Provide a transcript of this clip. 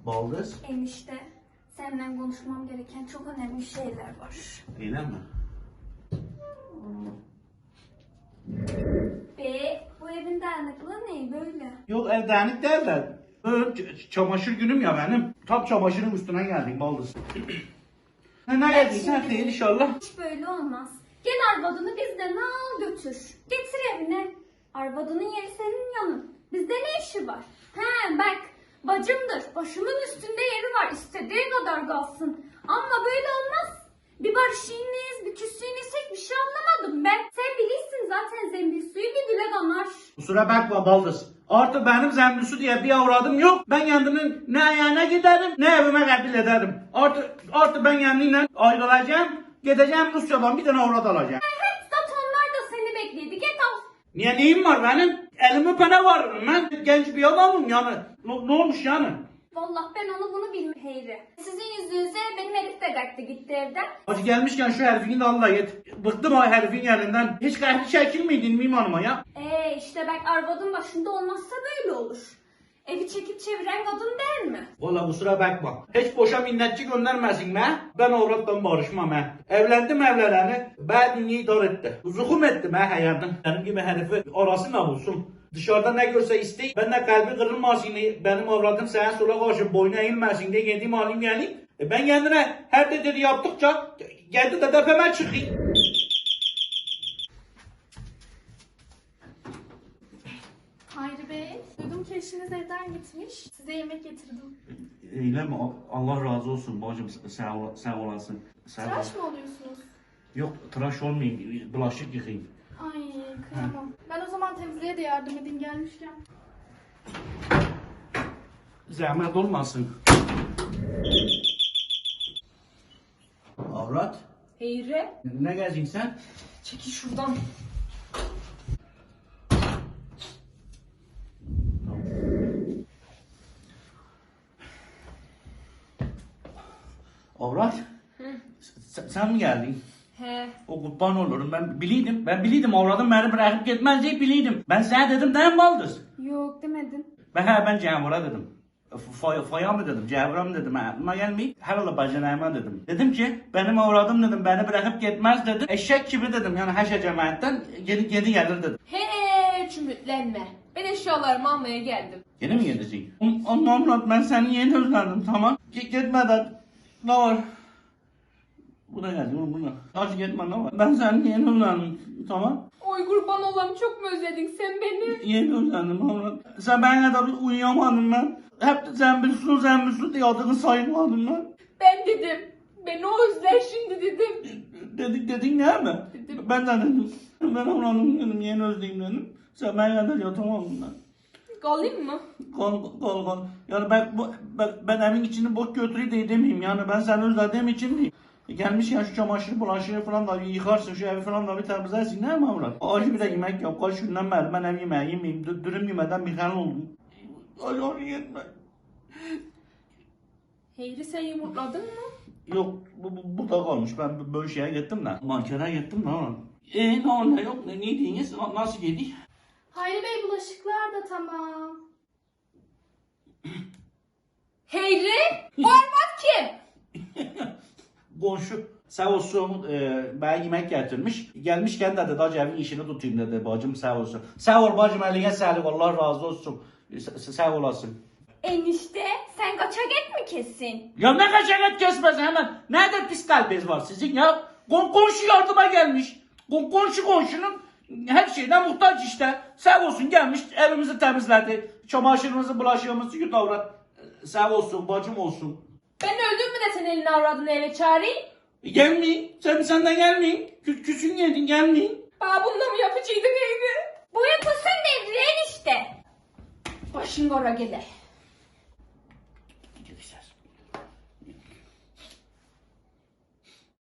Baldız. Enişte, seninle konuşmam gereken çok önemli şeyler var. Öyle mi? Bu evin dağınıklığı ne böyle? Yok ev dağınık değil de. Çamaşır günüm ya benim. Tam çamaşırın üstüne geldik Baldız. Ne geldin sen değil inşallah. Hiç böyle olmaz. Gel arvadını bizden al götür. Getir evine. Arvadının yeri senin yanın. Bizde ne işi var? He bak, bacımdır. Başımın üstünde yeri var. İstediği kadar kalsın. Ama böyle olmaz. Bir barışıyınız, bir küslüğünüzsek bir şey anlamadım ben. Sen bilirsin zaten zembil suyu bir dile kanar. Kusura bakma Baldız. Artık benim zemlüsü diye bir avradım yok. Ben kendimin ne ayağına giderim ne evime kabul ederim. Artık ben kendimle ayrılacağım. Gideceğim Rusya'dan bir tane avrat alacağım. Zaten onlar da seni bekledi. Git al. Niye neyim var benim? Elimi öpene varırım ben. Genç bir adamım yani. Ne olmuş yani? Vallahi ben onu bunu bilmiyorum Heyri. Sizin yüzünüze benim herif de kalktı gitti evden. Hadi gelmişken şu herifini de al da git. Bıktım o herifin yerinden. Hiç kahri çekilmeydin miyim hanıma ya? İşte bak arvadın başında olmazsa böyle olur. Evi çekip çeviren kadın değil mi? Valla kusura bakma. Hiç boşa minnetçi göndermesin be. Ben avratla barışmam he. Evlendim evleneni. Ben dünyayı dar etti. Zuhum ettim he hayatım. Benim gibi herifi arasına bulsun. Dışarıda ne görse istey. Ben de kalbi kırılmasın diye. Benim avradım sağa sola karşı boyuna eğilmesin diye yediğim halim geleyim. Ben kendine her dediğini yaptıkça geldi de tepeme çıkayım. Hayri Bey, duydum ki eşiniz evden gitmiş. Size yemek getirdim. Öyle mi? Allah razı olsun bacım sağ olasın. Tıraş mı oluyorsunuz? Yok tıraş olmayayım. Bulaşık yıkayayım. Ay kıyamam. Ben o zaman temizliğe de yardım edeyim gelmişken. Zahmet olmasın. Avrat. Heyri. Ne geldin sen? Çekil şuradan. Avrat. Sen mi geldin? He. O kurban olurum ben biliydim. Ben biliydim avradım beni bırakıp gitmez diye biliydim. Ben sana dedim değil mi Baldız? Yok demedin. Ben Cevher'a dedim. Faya mı dedim, Cevher'a mı dedim, aklıma gelmeyip herhalde bacanayma dedim. Dedim ki benim avradım dedim, beni bırakıp gitmez dedim. Eşek gibi dedim yani haşa cemaatten geri gelir dedim. Hiç ümitlenme. Ben eşyalarımı almaya geldim. Yeni mi geleceksin? Avrat ben seni yeni özledim tamam. Gitmeden ne var? Bu da geldi bu da. Hadi gitme ne var? Ben seni yeni özledim tamam. Oy kurban olam çok mu özledin sen beni? Yeni özledim avrat. Sen ben kadar uyuyamadım ben. Hep de zembilsun diye adını saymadım ben. Ben dedim. Beni o özler şimdi dedim. Dedin ne mi? Dedim. Ben de dedim. Ben avradım dedim yeni özleyeyim dedim. Sen ben kadar yatamadım ben. Kalayım mı? Kal. Yani ben evin içini boş götüreyim de demeyeyim yani ben seni özlediğim için değil. Gelmişken şu çamaşırı bulaşığı falan da bir yıkarsın şu evi falan da bir temizlersin değil mi avrat? Acı bir de yemek yap kaç günden beri ben ev yemeği yemeyeyim dürüm yemeden bir kan oldum. Acı yetme. Heyri sen yumurtladın mı? Yok bu da kalmış ben böyle şeye gittim de. Mankara gittim de ama. Ne oldu yok ne diyiniz nasıl yedik? Hayri Bey bulaşıklar da tamam. Heyri? Hormat kim? Komşu sağ olsun bana yemek getirmiş. Gelmişken de dedi hacı evin işini tutayım dedi bacım sağ olsun. Sağ ol bacım eline sağlık Allah razı olsun. Sağ olasın. Enişte sen kaçak et mi kesin? Ya ne kaçak et kesmez hemen. Nerede pis kalbiniz var sizin ya? Komşu yardıma gelmiş. Komşunun her şeyden muhtaç işte. Sağ olsun gelmiş evimizi temizledi. Çamaşırımızı bulaşığımızı yut avrat. Sağ olsun bacım olsun. Ben öldüm mü de sen elini avradını eve çağırayım? Gelmeyin. Senden gelmeyin. Küsün yedin gelmeyin. Bana bununla mı yapacaktın Heyri? Bu yapılsın devri enişte. Başın kara gele.